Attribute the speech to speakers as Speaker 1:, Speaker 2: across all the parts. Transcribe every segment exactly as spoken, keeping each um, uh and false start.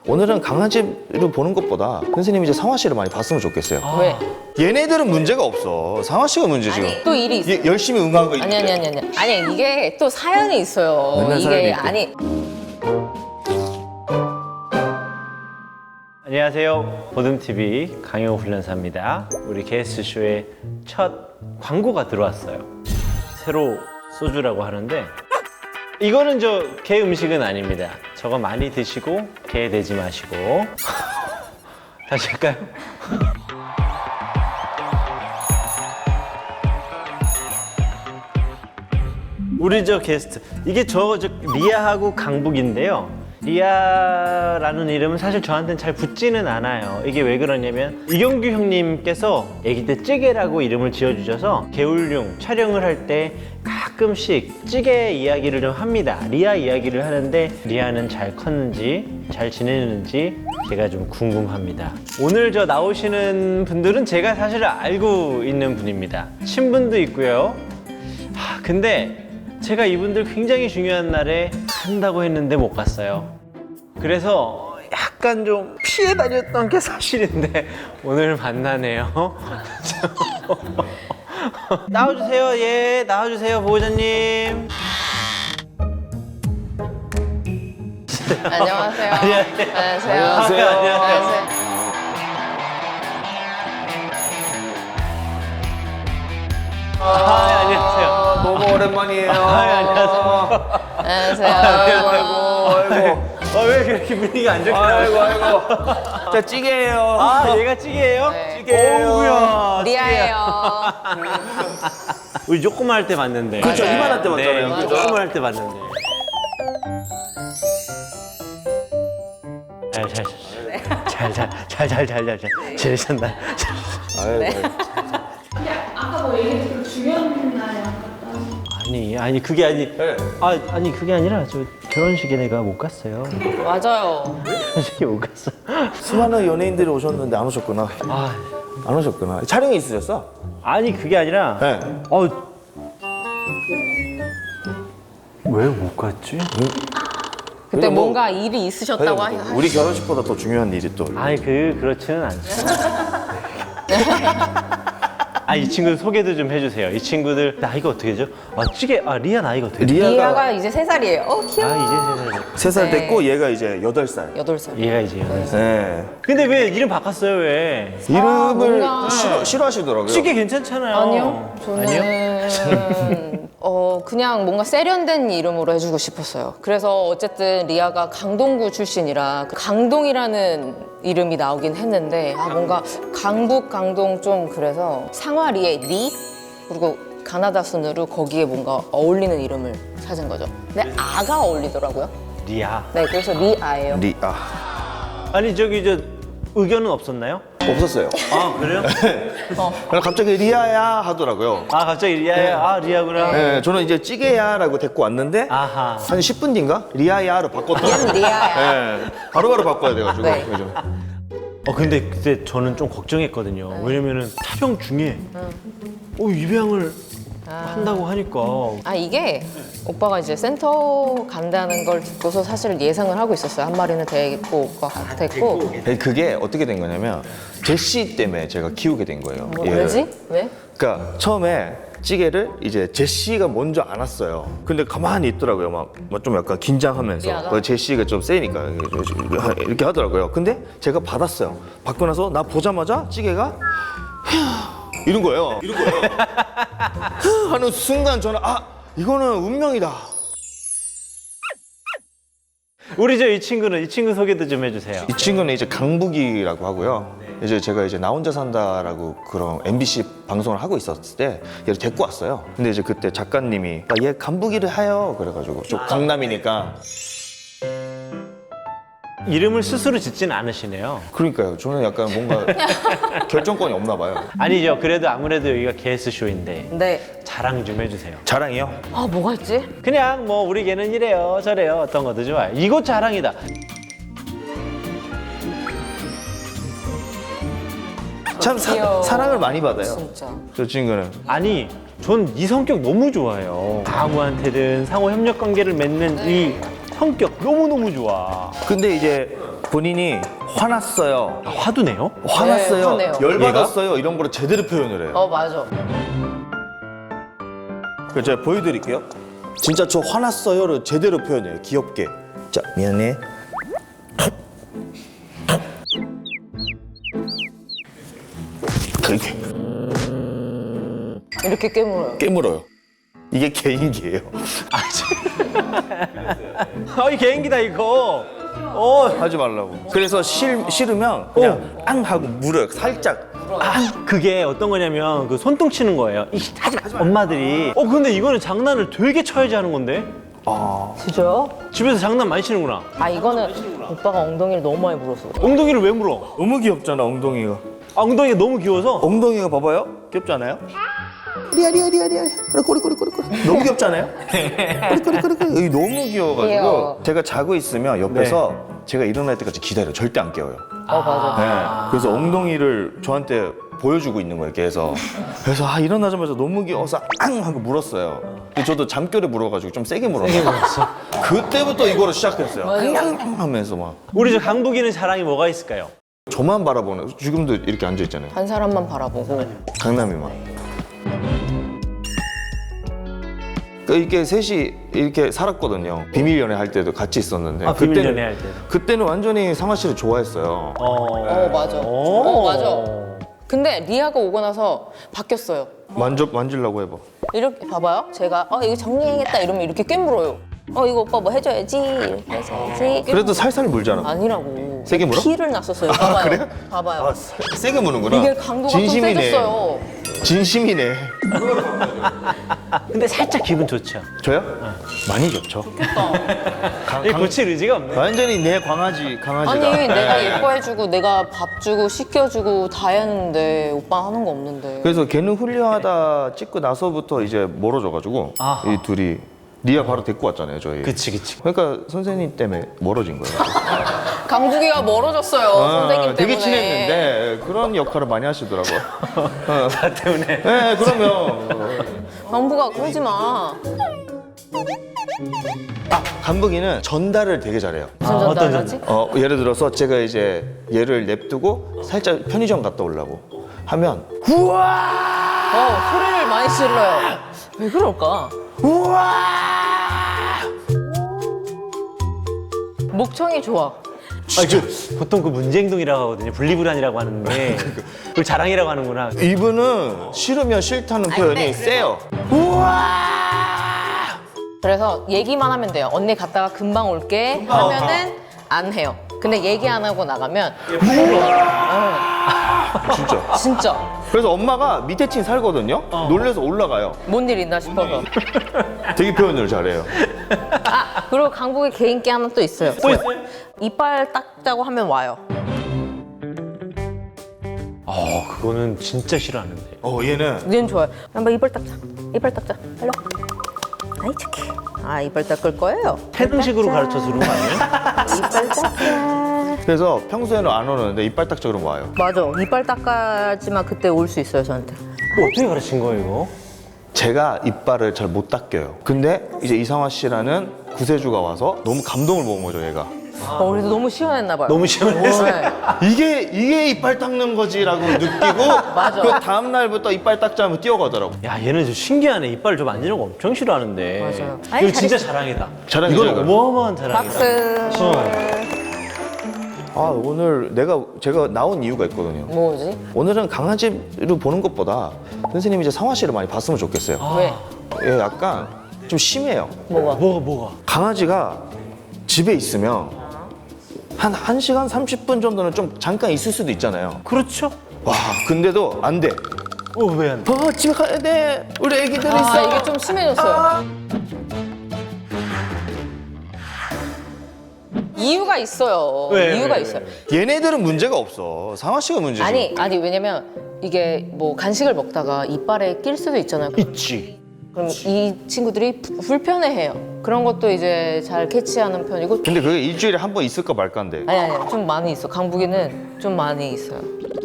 Speaker 1: 오늘은 강아지를 보는 것보다 선생님이 이제 상화 씨를 많이 봤으면 좋겠어요.
Speaker 2: 아. 왜?
Speaker 1: 얘네들은 문제가 없어. 상화 씨가 문제 지금.
Speaker 2: 또 일이 있어.
Speaker 1: 얘 열심히 응한 거
Speaker 2: 아니
Speaker 1: 있는데.
Speaker 2: 아니 아니 아니 아니 이게 또 사연이 있어요.
Speaker 1: 맨날 사연이
Speaker 2: 이게
Speaker 1: 있고.
Speaker 2: 아니
Speaker 3: 안녕하세요. 보듬티비 강영호 훈련사입니다. 우리 게스트쇼에 첫 광고가 들어왔어요. 새로 소주라고 하는데 이거는 저 개 음식은 아닙니다. 저거 많이 드시고 개 되지 마시고 다시 할까요? 우리 저 게스트 이게 저, 저 리아하고 강북인데요. 리아라는 이름은 사실 저한테는 잘 붙지는 않아요. 이게 왜 그러냐면 이경규 형님께서 아기 때 찌개라고 이름을 지어주셔서 개울용 촬영을 할 때 가끔씩 찌개 이야기를 좀 합니다. 리아 이야기를 하는데 리아는 잘 컸는지 잘 지내는지 제가 좀 궁금합니다. 오늘 저 나오시는 분들은 제가 사실 알고 있는 분입니다. 친분도 있고요. 하, 근데 제가 이분들 굉장히 중요한 날에 한다고 했는데 못 갔어요. 그래서 약간 좀 피해 다녔던 게 사실인데 오늘 만나네요. 나와주세요. 예, 나와주세요, 보호자님.
Speaker 2: 안녕하세요.
Speaker 3: 안녕하세요.
Speaker 2: 안녕하세요.
Speaker 1: 안녕하세요.
Speaker 2: 안녕하세요.
Speaker 3: 아, 네, 안녕하세요.
Speaker 1: 아, 너무 오랜만이에요.
Speaker 3: 아, 안녕하세요.
Speaker 2: 안녕하세요.
Speaker 1: 아이고, 아이고.
Speaker 3: 아, 왜 그렇게 분위기가 안 좋게 나와요?
Speaker 1: 아이고, 아이고. 자, 찌개예요.
Speaker 3: 아, 얘가 찌개예요?
Speaker 2: 네.
Speaker 1: 찌개예요.
Speaker 3: 어우야.
Speaker 2: 리아예요.
Speaker 3: 우리 조그만 할 때 봤는데.
Speaker 1: 그렇죠,
Speaker 2: 맞아요.
Speaker 1: 이만할 때
Speaker 3: 네,
Speaker 1: 봤잖아요.
Speaker 2: 맞아.
Speaker 3: 조그만 할 때 봤는데. 잘, 잘, 잘, 잘, 잘, 잘, 잘, 잘, 잘, 지내셨나?
Speaker 1: 아이고.
Speaker 4: 아까 뭐 얘기했던 중요한 날
Speaker 3: 아니, 아니 그게 아니,
Speaker 1: 네.
Speaker 3: 아, 아니 그게 아니라 저 결혼식에 내가 못 갔어요.
Speaker 2: 맞아요.
Speaker 3: 결혼식에 못 갔어.
Speaker 1: 수많은 연예인들이 오셨는데 안 오셨구나.
Speaker 3: 아,
Speaker 1: 안 오셨구나. 촬영이 있으셨어?
Speaker 3: 아니 그게 아니라,
Speaker 1: 네.
Speaker 3: 어, 왜 못 갔지?
Speaker 2: 그때
Speaker 1: 뭐-
Speaker 2: 뭔가 일이 있으셨다고 하시
Speaker 1: 우리 결혼식보다 더 중요한 일이 또.
Speaker 3: 아니 그 그렇지는 않죠. 아, 이 친구들 소개도 좀 해주세요. 이 친구들 나이가 어떻게 되죠? 아, 찌개, 아 리아 나이가 어떻게 되죠?
Speaker 2: 리아가 이제 세 살이에요. 어 귀여워.
Speaker 3: 아, 이제 세 살.
Speaker 1: 세 살
Speaker 2: 네.
Speaker 1: 됐고 얘가 이제 여덟 살.
Speaker 2: 여덟 살.
Speaker 3: 얘가 이제 여덟 살.
Speaker 1: 네.
Speaker 3: 근데 왜 이름 바꿨어요? 왜?
Speaker 1: 이름을
Speaker 2: 뭔가-
Speaker 1: 싫어, 싫어하시더라고요.
Speaker 3: 찌개 괜찮잖아요.
Speaker 2: 아니요. 저는
Speaker 3: 아니요?
Speaker 2: 어 그냥 뭔가 세련된 이름으로 해주고 싶었어요. 그래서 어쨌든 리아가 강동구 출신이라 그 강동이라는 이름이 나오긴 했는데 아 뭔가 강북 강동 좀 그래서 상화리에 리 그리고 가나다 순으로 거기에 뭔가 어울리는 이름을 찾은 거죠. 근데 아가 어울리더라고요.
Speaker 3: 리아.
Speaker 2: 네, 그래서 리아예요.
Speaker 1: 리아.
Speaker 3: 아니 저기 저 의견은 없었나요?
Speaker 1: 없었어요.
Speaker 3: 아 그래요?
Speaker 1: 그럼 갑자기 리아야 하더라고요.
Speaker 3: 아 갑자기 리아야. 아 리아구나.
Speaker 1: 네, 저는 이제 찌개야라고 데리고 왔는데
Speaker 3: 아하.
Speaker 1: 한 십 분 뒤인가 리아야로 바꿨더라고요.
Speaker 2: 리아야.
Speaker 1: 네, 바로바로 바꿔야 돼가지고.
Speaker 2: 네.
Speaker 1: 그죠?
Speaker 3: 어 근데 그때 저는 좀 걱정했거든요. 왜냐면은 촬영 중에 어 입양을 한다고 하니까
Speaker 2: 아 이게 오빠가 이제 센터 간다는 걸 듣고서 사실 예상을 하고 있었어요. 한 마리는 데리고 오빠가 됐고.
Speaker 1: 네, 그게 어떻게 된 거냐면 제시 때문에 제가 키우게 된 거예요.
Speaker 2: 뭐,
Speaker 1: 얘를.
Speaker 2: 왜지? 왜?
Speaker 1: 그러니까 처음에 찌개를 이제 제시가 먼저 안았어요. 근데 가만히 있더라고요. 막 좀 약간 긴장하면서.
Speaker 2: 리아가?
Speaker 1: 그 제시가 좀 세니까 이렇게 하더라고요. 근데 제가 받았어요. 받고 나서 나 보자마자 찌개가 휴 이런 거예요. 이런 거예요. 휴 하는 순간 저는 아 이거는 운명이다.
Speaker 3: 우리 저 이 친구는 이 친구 소개도 좀 해주세요.
Speaker 1: 이 친구는 이제 강북이라고 하고요. 이제 제가 이제 나 혼자 산다라고 그런 엠비씨 방송을 하고 있었을 때 얘를 데리고 왔어요. 근데 이제 그때 작가님이 아, 얘 강북이를 해요. 그래가지고 좀 강남이니까.
Speaker 3: 이름을 스스로 짓진 않으시네요.
Speaker 1: 그러니까요. 저는 약간 뭔가 결정권이 없나 봐요.
Speaker 3: 아니죠. 그래도 아무래도 여기가 게스트 쇼인데
Speaker 2: 네.
Speaker 3: 자랑 좀 해주세요.
Speaker 1: 자랑이요?
Speaker 2: 아 뭐가 있지?
Speaker 3: 그냥 뭐 우리 개는 이래요 저래요 어떤 것도 좋아요. 이거 자랑이다.
Speaker 1: 참 사,
Speaker 2: 귀여워.
Speaker 1: 사랑을 많이 받아요.
Speaker 2: 진짜.
Speaker 1: 저 친구는.
Speaker 3: 아니 전 이 성격 너무 좋아해요. 아무한테든 상호 협력 관계를 맺는 이 성격 너무너무 좋아.
Speaker 1: 근데 이제 본인이 화났어요.
Speaker 3: 아, 화도 내요?
Speaker 1: 화났어요.
Speaker 2: 화내요.
Speaker 1: 열받았어요. 이런 거를 제대로 표현을 해요.
Speaker 2: 어 맞아.
Speaker 1: 그래서 제가 보여드릴게요. 진짜 저 화났어요를 제대로 표현해요. 귀엽게. 자, 미안해. 그렇게
Speaker 2: 이렇게 깨물어요.
Speaker 1: 깨물어요. 이게 개인기예요.
Speaker 3: 아, 이 개인기다 이거. 어,
Speaker 1: 하지 말라고. 그래서 싫, 싫으면 그냥 앙 하고 물어요. 살짝.
Speaker 3: 아, 그게 어떤 거냐면 그 손등 치는 거예요. 이, 하지 마, 엄마들이. 어, 근데 이거는 장난을 되게 쳐야지 하는 건데.
Speaker 2: 진짜요?
Speaker 3: 집에서 장난 많이 치는구나.
Speaker 2: 아 이거는 오빠가 엉덩이를 너무 많이 물었어.
Speaker 3: 엉덩이를 왜 물어?
Speaker 1: 너무 귀엽잖아, 엉덩이가.
Speaker 3: 아, 엉덩이가 너무 귀여워서.
Speaker 1: 엉덩이가 봐봐요. 귀엽지 않아요? 리아 리아 리아 리아 꼬리 꼬리 꼬리 꼬리 너무 귀엽지 않아요? 꼬리 꼬리 꼬리 꼬리 여기 너무 귀여워가지고
Speaker 2: 귀여워.
Speaker 1: 제가 자고 있으면 옆에서 제가 일어날 때까지 기다려. 절대 안 깨워요.
Speaker 2: 어 맞아.
Speaker 1: 네. 그래서 엉덩이를 저한테 보여주고 있는 거예요, 계속. 그래서 아 일어나자마자 너무 귀여워서 앙 하고 물었어요. 근데 저도 잠결에 물어가지고 좀 세게 물었어요. 그때부터 이거를 시작했어요. 앙 하면서 막
Speaker 3: 우리 저 강북이는 자랑이 뭐가 있을까요?
Speaker 1: 저만 바라보는. 지금도 이렇게 앉아 있잖아요.
Speaker 2: 한 사람만 바라보고.
Speaker 1: 강남이만. 그 이게 셋이 이렇게 살았거든요. 비밀 연애 할 때도 같이 있었는데.
Speaker 3: 아, 비밀
Speaker 1: 그때는-
Speaker 3: 연애 할 때.
Speaker 1: 그때는 완전히 상아 씨를 좋아했어요.
Speaker 3: 어,
Speaker 2: 어 맞아. 어 맞아. 근데 리아가 오고 나서 바뀌었어요.
Speaker 1: 만져 만질라고 해봐.
Speaker 2: 이렇게 봐봐요. 제가 어 이거 정리해야겠다 이러면 이렇게 깨물어요. 어 이거 오빠 뭐 해줘야지 이렇게 해줘야지.
Speaker 1: 그래도 살살 물잖아.
Speaker 2: 아니라고.
Speaker 1: 세게 물어?
Speaker 2: 피를 났었어요. 봐봐요.
Speaker 1: 그래요?
Speaker 2: 봐봐요.
Speaker 1: 아, 세- 세게 무는구나.
Speaker 2: 이게 강도가 좀
Speaker 1: 진심이네.
Speaker 2: 세졌어요.
Speaker 1: 진심이네.
Speaker 3: 근데 살짝 기분 좋죠.
Speaker 1: 저요? 많이 좋죠. 강-
Speaker 3: 이
Speaker 1: 강-
Speaker 3: 고칠 의지가 없네.
Speaker 1: 완전히 내 강아지 강아지가.
Speaker 2: 아니 내가
Speaker 1: 네.
Speaker 2: 예뻐해주고 내가 밥 주고 씻겨주고 다 했는데 오빠 하는 거 없는데.
Speaker 1: 그래서 걔는 훌륭하다 찍고 나서부터 이제 멀어져가지고
Speaker 3: 아하.
Speaker 1: 이 둘이 리아 바로 데리고 왔잖아요, 저희.
Speaker 3: 그치, 그치.
Speaker 1: 그러니까 선생님 때문에 멀어진 거예요.
Speaker 2: 강북이가 멀어졌어요.
Speaker 1: 아,
Speaker 2: 선생님 때문에.
Speaker 1: 되게 친했는데 그런 역할을 많이 하시더라고요. 어.
Speaker 3: 나 때문에.
Speaker 1: 네, 그러면
Speaker 2: 강북아 그러지 마.
Speaker 1: 아, 강북이는 전달을 되게 잘해요.
Speaker 2: 무슨
Speaker 3: 아, 어떤
Speaker 2: 전달 하지?
Speaker 1: 어, 예를 들어서 제가 이제 얘를 냅두고 살짝 편의점 갔다 오려고 하면
Speaker 2: 어 소리를 많이 질러요. 왜 그럴까? 목청이 좋아.
Speaker 3: 아, 그, 보통 그 문제행동이라고 하거든요. 분리불안이라고 하는데. 그걸 자랑이라고 하는구나.
Speaker 1: 이분은 싫으면 싫다는 표현이 세요.
Speaker 2: 그래서 얘기만 하면 돼요. 언니 갔다가 금방 올게 하면은 안 해요. 근데 얘기 안 하고 나가면
Speaker 1: 진짜.
Speaker 2: 진짜
Speaker 1: 그래서 엄마가 밑에 층 살거든요. 놀래서 올라가요.
Speaker 2: 뭔 일 있나 싶어서.
Speaker 1: 되게 표현을 잘해요.
Speaker 2: 아 그리고 강북의 개인기 하나 또 있어요.
Speaker 3: 또 있어요?
Speaker 2: 이빨 닦자고 하면 와요.
Speaker 3: 어, 그거는 진짜 싫어하는데.
Speaker 1: 어, 얘는
Speaker 2: 얘는 좋아요. 한번 이빨 닦자. 이빨 닦자. 빨리 와. 아이 착해. 아 이빨 닦을 거예요.
Speaker 3: 태능식으로 가르쳐서 그런 거 아니에요?
Speaker 2: 이빨 닦자.
Speaker 1: 그래서 평소에는 안 오는데 이빨 딱 저러면 와요.
Speaker 2: 맞아. 이빨 닦아야지만 그때 올 수 있어요 저한테.
Speaker 3: 뭐 어떻게 가르친 거예요, 이거?
Speaker 1: 제가 이빨을 잘 못 닦여요. 근데 이제 이상화 씨라는 구세주가 와서 너무 감동을 먹은 거죠, 얘가.
Speaker 2: 어, 그래서 너무 시원했나 봐요.
Speaker 3: 너무 시원했어요.
Speaker 2: 네.
Speaker 1: 이게 이게 이빨 닦는 거지라고 느끼고
Speaker 2: 맞아.
Speaker 1: 그 다음 날부터 이빨 닦자면 뛰어가더라고.
Speaker 3: 야, 얘는 좀 신기하네. 이빨 좀 만지는 거 엄청 싫어하는데.
Speaker 2: 맞아요.
Speaker 3: 이거
Speaker 2: 아이,
Speaker 3: 진짜 자랑이다.
Speaker 1: 자랑이죠,
Speaker 3: 이건
Speaker 1: 이거.
Speaker 3: 어마어마한 자랑이다.
Speaker 2: 박스.
Speaker 3: 어.
Speaker 1: 아, 오늘 내가 제가 나온 이유가 있거든요.
Speaker 2: 뭐지?
Speaker 1: 오늘은 강아지를 보는 것보다 선생님이 이제 상화 씨를 많이 봤으면 좋겠어요.
Speaker 2: 왜?
Speaker 1: 얘 약간 좀 심해요.
Speaker 2: 뭐가?
Speaker 3: 뭐가, 뭐가?
Speaker 1: 강아지가 집에 있으면 한 1시간 삼십 분 정도는 좀 잠깐 있을 수도 있잖아요.
Speaker 3: 그렇죠.
Speaker 1: 와, 근데도 안 돼.
Speaker 3: 어, 왜 안 돼?
Speaker 1: 어, 집에 가야 돼. 우리 애기들
Speaker 2: 아
Speaker 1: 있어.
Speaker 2: 이게 좀 심해졌어요. 이유가 있어요.
Speaker 3: 왜,
Speaker 2: 이유가
Speaker 3: 왜,
Speaker 2: 있어요.
Speaker 1: 얘네들은 문제가 없어. 상화 씨가 문제지.
Speaker 2: 아니 아니 왜냐면 이게 뭐 간식을 먹다가 이빨에 낄 수도 있잖아요.
Speaker 3: 있지.
Speaker 2: 그럼 이 친구들이 부- 불편해해요. 그런 것도 이제 잘 캐치하는 편이고.
Speaker 1: 근데 그게 일주일에 한 번 있을까 말까인데.
Speaker 2: 아니 아니 좀 많이 있어. 강북이는 좀 많이 있어요.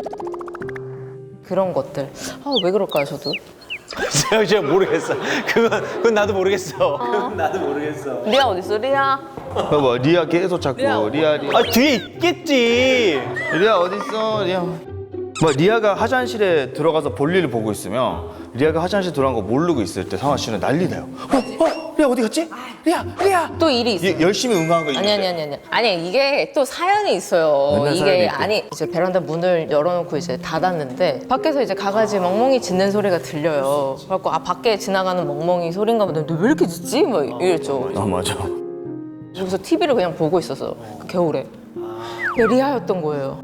Speaker 2: 그런 것들. 아 왜 그럴까요 저도?
Speaker 3: 제가, 제가 모르겠어. 그건, 그건 나도 모르겠어. 그건 나도 모르겠어.
Speaker 2: 리아 어디 있어 리아?
Speaker 1: 봐봐 리아 계속 찾고 리아 리아
Speaker 3: 아 뒤에 있겠지.
Speaker 1: 리아 어디 있어 리아. 뭐 리아가 화장실에 들어가서 볼일을 보고 있으면 리아가 화장실 들어간 거 모르고 있을 때 상화 씨는 난리 나요. 어? 어? 리아 어디 갔지? 리아 리아.
Speaker 2: 또 일이 있어요.
Speaker 1: 이- 열심히 응원한 거
Speaker 2: 아니
Speaker 1: 있는데.
Speaker 2: 아니 아니 아니 아니 이게 또 사연이 있어요.
Speaker 1: 맨날 사연이
Speaker 2: 이게
Speaker 1: 있대.
Speaker 2: 아니 이제 베란다 문을 열어놓고 이제 닫았는데 밖에서 이제 강아지 멍멍이 짖는 소리가 들려요. 그래갖고 아 밖에 지나가는 멍멍이 소린가 보다. 근데 왜 이렇게 짖지? 막 이랬죠.
Speaker 1: 아 맞아.
Speaker 2: 그래서 티비를 그냥 보고 있었어. 그 겨울에. 근데 리아였던 거예요.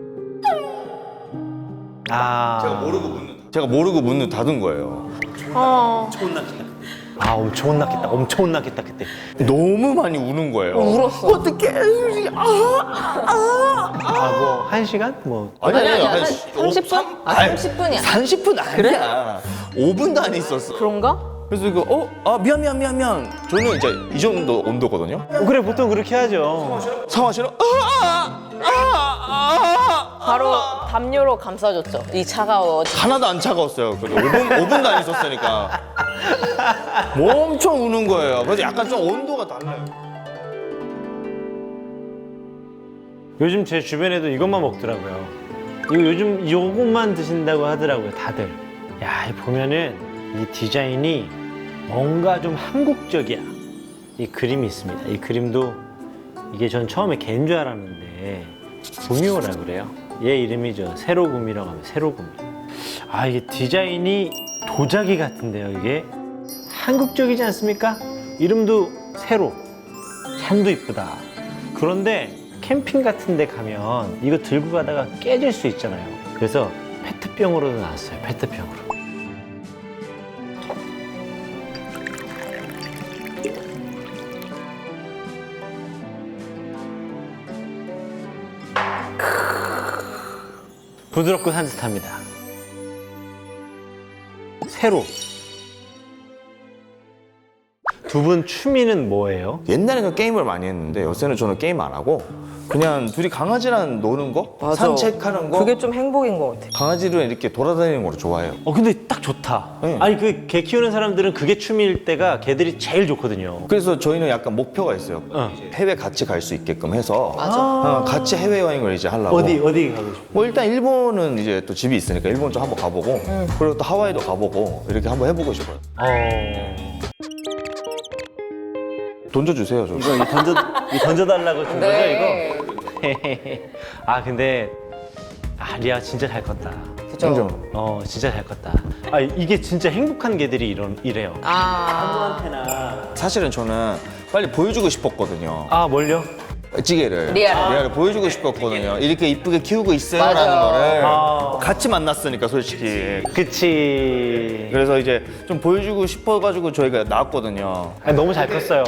Speaker 3: 아,
Speaker 1: 모르고 문 제가 모르고 문을 닫은 거예요.
Speaker 2: 아
Speaker 3: 아 엄청 혼났겠다. 엄청 혼났겠다 그때.
Speaker 1: 너무 많이 우는 거예요.
Speaker 2: 울었어.
Speaker 1: 어떡해. 아, 아.
Speaker 3: 아 뭐 한 시간? 뭐
Speaker 1: 아니
Speaker 2: 아니
Speaker 1: 아니
Speaker 2: 아니 한
Speaker 1: 한
Speaker 2: 삼십 분? 아 삼십 분이야.
Speaker 1: 삼십 분 아니야. 오 분도 안 있었어.
Speaker 2: 그런가?
Speaker 1: 그래서 이거 어? 아 미안 미안 미안 미안. 저는 이제 이 정도 온도거든요.
Speaker 3: 어, 그래 보통 그렇게 하죠.
Speaker 1: 상화 씨는 아, 아, 아, 아,
Speaker 2: 바로 담요로 감싸줬죠. 이 차가워.
Speaker 1: 하나도 안 차가웠어요. 그래도 오 분, 오 분도 안 있었으니까. 뭐 엄청 우는 거예요. 그래서 약간 좀 온도가 달라요.
Speaker 3: 요즘 제 주변에도 이것만 먹더라고요. 이거 요즘 이것만 드신다고 하더라고요, 다들. 야, 이 보면은 이 디자인이 뭔가 좀 한국적이야. 이 그림이 있습니다. 이 그림도 이게 전 처음에 개인 줄 알았는데 구미호라 그래요. 얘 이름이 저 세로구미라고 하면 세로구미. 아, 이게 디자인이 도자기 같은데요, 이게. 한국적이지 않습니까? 이름도 세로. 참도 이쁘다. 그런데 캠핑 같은 데 가면 이거 들고 가다가 깨질 수 있잖아요. 그래서 페트병으로도 나왔어요. 페트병으로. 부드럽고 산뜻합니다. 세로. 두 분 취미는 뭐예요?
Speaker 1: 옛날에는 게임을 많이 했는데 요새는 저는 게임 안 하고 그냥 둘이 강아지랑 노는 거, 산책하는 거.
Speaker 2: 그게 좀 행복인 것 같아.
Speaker 1: 강아지로 이렇게 돌아다니는 걸 좋아해요.
Speaker 3: 어 근데 딱 좋다.
Speaker 1: 네.
Speaker 3: 아니 그 개 키우는 사람들은 그게 취미일 때가 개들이 제일 좋거든요.
Speaker 1: 그래서 저희는 약간 목표가 있어요.
Speaker 3: 어.
Speaker 1: 해외 같이 갈 수 있게끔 해서
Speaker 2: 맞아.
Speaker 1: 어, 같이 해외 여행을 이제 하려고.
Speaker 3: 어디 어디 가고 싶어?
Speaker 1: 뭐 일단 일본은 이제 또 집이 있으니까 일본 좀 한번 가보고 그리고 또 하와이도 가보고 이렇게 한번 해보고 싶어요.
Speaker 3: 어.
Speaker 1: 던져주세요 좀.
Speaker 3: 이거 이 던져 이 던져달라고 준
Speaker 2: 네.
Speaker 3: 거죠 이거? 아 근데 아 리아 진짜 잘 컸다.
Speaker 2: 그죠?
Speaker 3: 어 진짜 잘 컸다. 아 이게 진짜 행복한 개들이 이런 이래요.
Speaker 2: 아
Speaker 1: 사실은 저는 빨리 보여주고 싶었거든요.
Speaker 3: 아 뭘요?
Speaker 1: 찌개를
Speaker 2: 리아를.
Speaker 1: 리아를 보여주고 싶었거든요. 이렇게 이쁘게 키우고 있어요라는
Speaker 2: 맞아.
Speaker 1: 거를
Speaker 3: 아.
Speaker 1: 같이 만났으니까 솔직히.
Speaker 3: 그치.
Speaker 1: 그래서 이제 좀 보여주고 싶어가지고 저희가 나왔거든요.
Speaker 3: 아, 너무 잘 컸어요.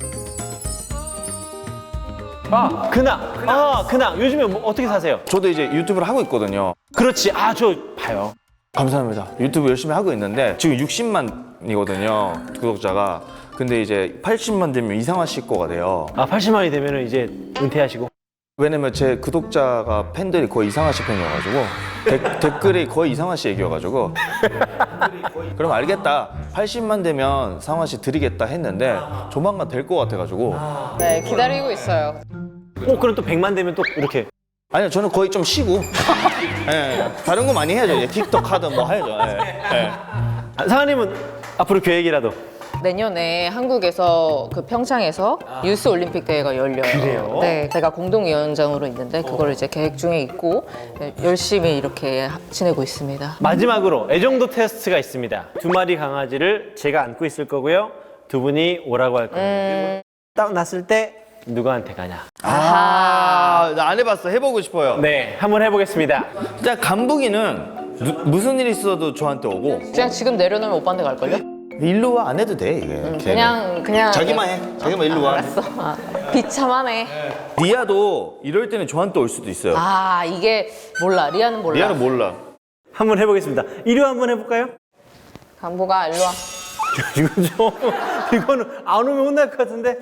Speaker 3: 아 근황. 아 근황. 요즘에 뭐 어떻게 사세요?
Speaker 1: 저도 이제 유튜브를 하고 있거든요.
Speaker 3: 그렇지. 아 저 봐요.
Speaker 1: 감사합니다. 유튜브 열심히 하고 있는데 지금 육십만이거든요 구독자가. 근데 이제 팔십만 되면 이상화 씨 거가 돼요.
Speaker 3: 아 팔십만이 되면은 이제 은퇴하시고.
Speaker 1: 왜냐면 제 구독자가 팬들이 거의 이상화 씨 팬이어가지고 데- 댓글이 거의 이상화 씨 얘기여가지고 그럼 알겠다. 팔십만 되면 상화 씨 드리겠다 했는데 조만간 될 것 같아가지고.
Speaker 2: 네 기다리고 있어요.
Speaker 3: 어 그럼 또 백만 되면 또 이렇게.
Speaker 1: 아니요, 저는 거의 좀 쉬고. 예, 다른 거 많이 해야죠. 이제 틱톡 하든 뭐 해야죠. 예, 예.
Speaker 3: 아, 상아님은 앞으로 계획이라도.
Speaker 2: 내년에 한국에서 그 평창에서 유스 올림픽 대회가 열려요.
Speaker 3: 그래요?
Speaker 2: 네, 제가 공동위원장으로 있는데 그걸 이제 계획 중에 있고 네, 열심히 이렇게 하- 지내고 있습니다.
Speaker 3: 마지막으로 애정도 테스트가 있습니다. 두 마리 강아지를 제가 안고 있을 거고요. 두 분이 오라고 할 거예요. 딱 났을 때 누구한테 가냐?
Speaker 1: 아, 나 안 해봤어. 해보고 싶어요.
Speaker 3: 네, 한번 해보겠습니다.
Speaker 1: 진짜 간북이는 누- 무슨 일 있어도 저한테 오고
Speaker 2: 그냥 지금 내려놓으면 오빠한테 갈걸요?
Speaker 1: 일로 와 안 해도 돼 이게. 걔는.
Speaker 2: 그냥 그냥
Speaker 1: 자기만 해. 자기만 일로 와.
Speaker 2: 알았어. 아, 비참하네.
Speaker 1: 리아도 이럴 때는 저한테 올 수도 있어요.
Speaker 2: 아 이게 몰라. 리아는 몰라.
Speaker 1: 리아는 몰라.
Speaker 3: 한번 해보겠습니다. 이리 와 한번 해볼까요?
Speaker 2: 강보가 일로 와.
Speaker 3: 이거 좀 이거는 안 오면 혼날 것 같은데.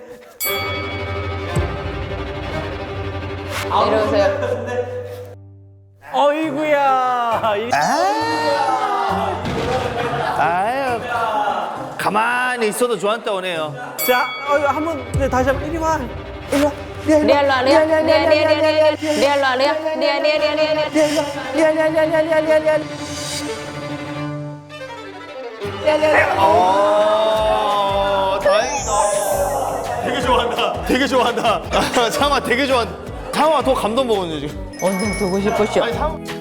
Speaker 2: 내려오세요.
Speaker 3: 어이구야. 이-
Speaker 1: 아유, 가만히 있어도 저한테 오네요.
Speaker 3: 자, 어, 한번 네, 다시 한번 이리 와. 이리 와.
Speaker 2: 리아 일로 와 리아 리아 리아 리아 리아 리아 리아 일로 와 리아 리아 리아 리아 리아 리아
Speaker 1: 어, 다행이다. 되게 좋아한다. 되게 좋아한다. 상아 되게 좋아한다. 상아 더 감동 먹었네 지금.
Speaker 2: 언제 보고 싶으셔
Speaker 1: 아니 상.